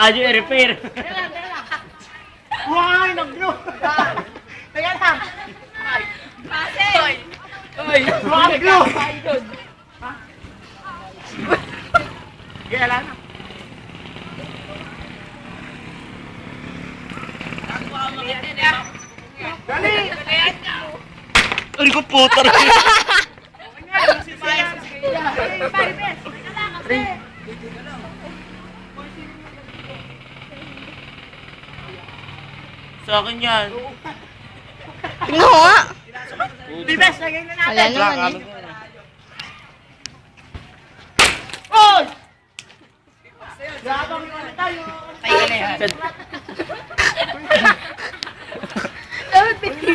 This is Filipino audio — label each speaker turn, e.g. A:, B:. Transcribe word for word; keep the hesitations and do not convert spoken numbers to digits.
A: Radyo i-repair.
B: Why, nag-blow! Teka lang!
C: Kasi!
B: Uy! Nag-blow! Kaya lang na. Dali!
A: Ay ko puta rin. Sa akin yan.
D: Tingnan ko nga.
B: Bibes, lagay na
D: Wala
B: natin!
D: naman eh.
B: Oy! Grabang yun tayo!
C: Tayo na yan.